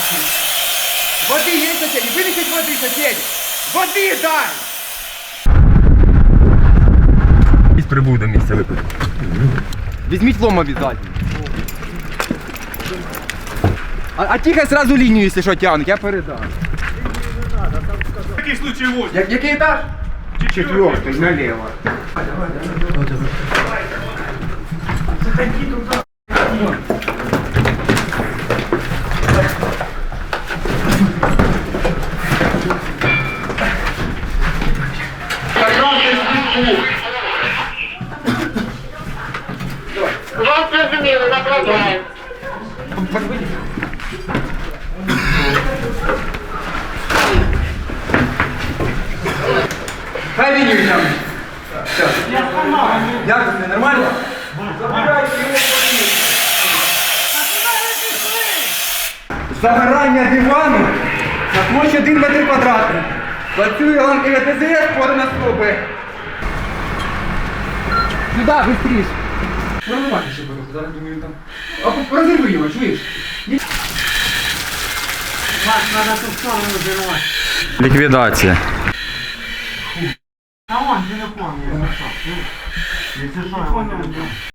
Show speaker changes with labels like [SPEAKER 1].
[SPEAKER 1] Воды есть, соседи? Вынесите воды, соседи! Воды дай! Із прибуду місця випити. Візьміть лом обов'язково. А тихо сразу лінію, якщо що, тягнуть, я передам.
[SPEAKER 2] Який случай ось?
[SPEAKER 1] Який етаж?
[SPEAKER 3] Четвертый налево.
[SPEAKER 4] Вас зрозуміло, направляємо.
[SPEAKER 1] Хай лінію тягнуть. Все. Як тобі, нормально? Забирайте його в Загорання дивану на площі 1 метр квадратний. Працює ланка ГТЗС, подана стопи. Сюди, швидше. Нормально ще буде, зараз думаю там. А розірви його, чуєш?
[SPEAKER 3] Вас надо ту сторону взорвать.
[SPEAKER 1] Ліквідація.
[SPEAKER 3] А он телефон я нашел. Если что, я его телефон.